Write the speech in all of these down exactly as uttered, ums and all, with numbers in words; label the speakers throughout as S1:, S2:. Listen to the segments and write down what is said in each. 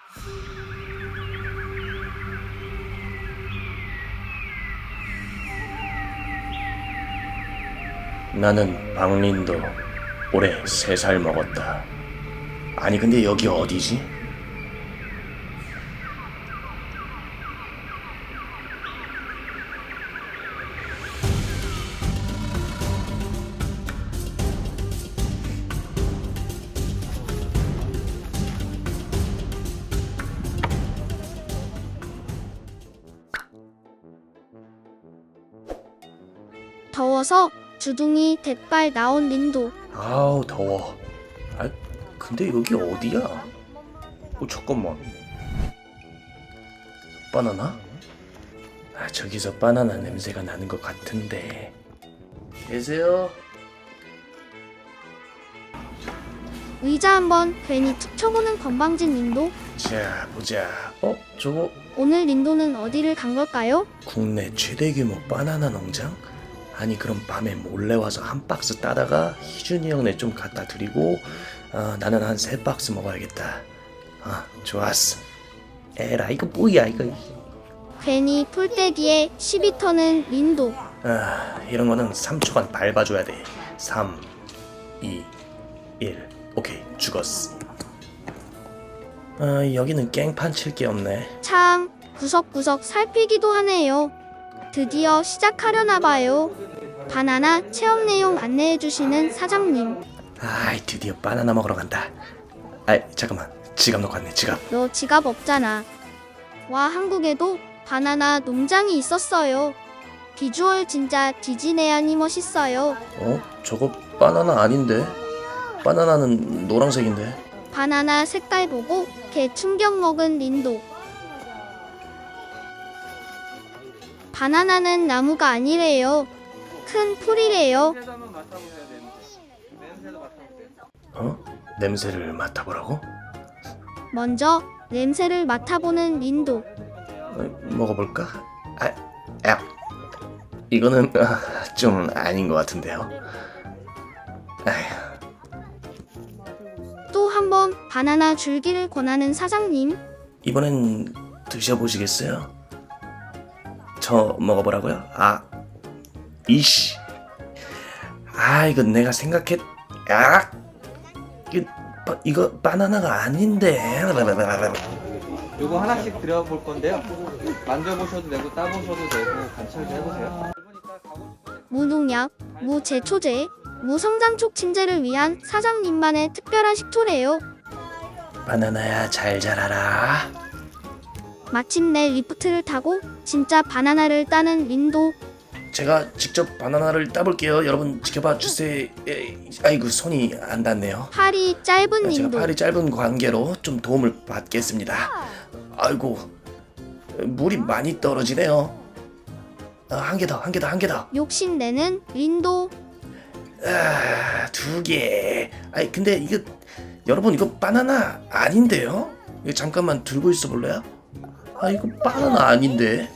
S1: 나는 박린도 올해 세 살 먹었다. 아니 근데 여기 어디지?
S2: 더워서 주둥이 대빨 나온 린도.
S1: 아우 더워. 아 근데 여기 어디야? 어 잠깐만. 바나나? 아 저기서 바나나 냄새가 나는 것 같은데. 계세요?
S2: 의자 한번 괜히 툭 쳐보는 건방진 린도.
S1: 자 보자. 어 저거
S2: 오늘 린도는 어디를 간 걸까요?
S1: 국내 최대 규모 바나나 농장? 아니 그럼 밤에 몰래 와서 한 박스 따다가 희준이 형네 좀 갖다 드리고 어, 나는 한 세 박스 먹어야겠다. 아 좋았어. 에라 이거 뭐야 이거.
S2: 괜히 풀떼기에 시비 터는 린도.
S1: 아 이런 거는 삼 초간 밟아줘야 돼. 삼, 이, 일. 오케이 죽었어. 아 여기는 깽판 칠 게 없네.
S2: 참 구석구석 살피기도 하네요. 드디어 시작하려나 봐요. 바나나 체험 내용 안내해주시는 사장님.
S1: 아이 드디어 바나나 먹으러 간다. 아이 잠깐만 지갑 놓고 왔네 지갑.
S2: 너 지갑 없잖아. 와, 한국에도 바나나 농장이 있었어요. 비주얼 진짜 디즈네안이 멋있어요.
S1: 어? 저거 바나나 아닌데? 바나나는 노란색인데?
S2: 바나나 색깔 보고 개 충격 먹은 린도. 바나나는 나무가 아니래요. 큰 풀이래요.
S1: 어? 냄새를 맡아보라고?
S2: 먼저 냄새를 맡아보는 린도.
S1: 어, 먹어볼까? 아, 야, 이거는 아, 좀 아닌 것 같은데요. 아휴,
S2: 또 한 번 바나나 줄기를 권하는 사장님.
S1: 이번엔 드셔보시겠어요? 저 먹어보라고요? 아, 이씨, 아 이거 내가 생각했, 야, 이거, 바, 이거 바나나가 아닌데.
S3: 요거 하나씩 드려볼 건데요. 만져보셔도 되고 따보셔도 되고 관찰도 해보세요.
S2: 무농약, 무제초제, 무성장촉 침제를 위한 사장님만의 특별한 식초래요.
S1: 바나나야 잘 자라라.
S2: 마침내 리프트를 타고 진짜 바나나를 따는 린도.
S1: 제가 직접 바나나를 따볼게요. 여러분 지켜봐 주세요. 에, 아이고 손이 안 닿네요.
S2: 팔이 짧은
S1: 제가
S2: 린도.
S1: 팔이 짧은 관계로 좀 도움을 받겠습니다. 아이고 물이 많이 떨어지네요. 아, 한 개 더, 한 개 더, 한 개 더.
S2: 욕심내는 린도.
S1: 아, 두 개. 아이 근데 이거 여러분 이거 바나나 아닌데요? 이거 잠깐만 들고 있어 볼래요? 아 이거 바나나 아닌데.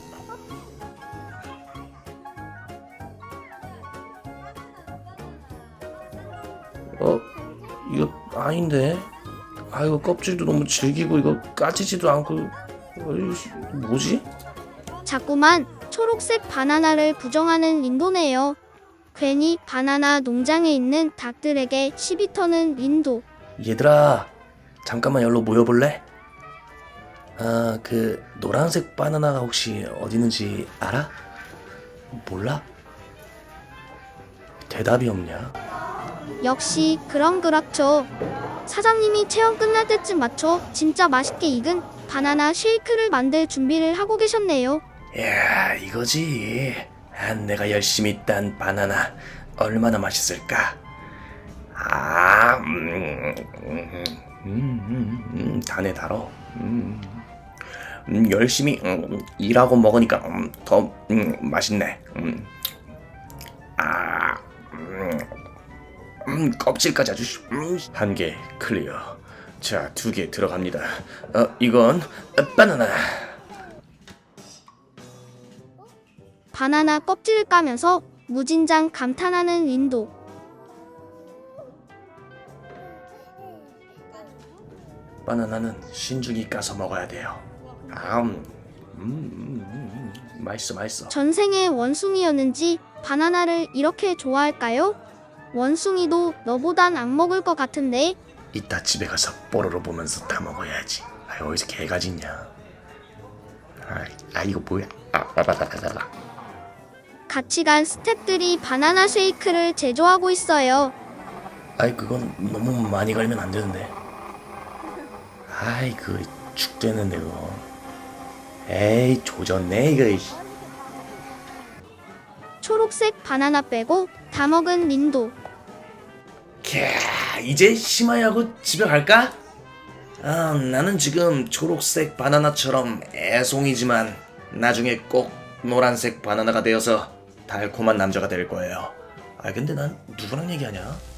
S1: 어 이거 아닌데. 아 이거 껍질도 너무 질기고 이거 까지지도 않고. 어이씨, 뭐지?
S2: 자꾸만 초록색 바나나를 부정하는 린도네요. 괜히 바나나 농장에 있는 닭들에게 시비 터는 린도.
S1: 얘들아 잠깐만 여기로 모여볼래? 아 그 노란색 바나나가 혹시 어디 있는지 알아? 몰라? 대답이 없냐?
S2: 역시 그럼 그렇죠. 사장님이 체험 끝날 때쯤 맞춰 진짜 맛있게 익은 바나나 쉐이크를 만들 준비를 하고 계셨네요.
S1: 이야 이거지. 아, 내가 열심히 딴 바나나 얼마나 맛있을까? 아, 음, 음, 음, 음, 음, 다네 달어. 음, 음, 열심히 음, 일하고 먹으니까 음, 더 음, 맛있네. 음. 아, 음, 음, 껍질까지 아주 음, 한 개 클리어. 자, 두 개 들어갑니다. 어, 이건 바나나.
S2: 바나나 껍질을 까면서 무진장 감탄하는 린도.
S1: 바나나는 신중히 까서 먹어야 돼요. 음, 음, 음, 음, 맛있어 맛있어.
S2: 전생에 원숭이였는지 바나나를 이렇게 좋아할까요? 원숭이도 너보단 안 먹을 것 같은데.
S1: 이따 집에 가서 뽀로로 보면서 다 먹어야지. 아, 어디서 개가 짖냐. 아, 아 이거 뭐야. 아, 아, 아, 아, 아.
S2: 같이 간 스태프들이 바나나 쉐이크를 제조하고 있어요.
S1: 아이 그건 너무 많이 갈면 안 되는데. 아이 그 죽되는데 그거. 에이 조졌네 이거. 이씨.
S2: 초록색 바나나 빼고 다 먹은 린도.
S1: 캬, 이제 심하야하고 집에 갈까? 아, 나는 지금 초록색 바나나처럼 애송이지만 나중에 꼭 노란색 바나나가 되어서 달콤한 남자가 될 거예요. 아 근데 난 누구랑 얘기하냐?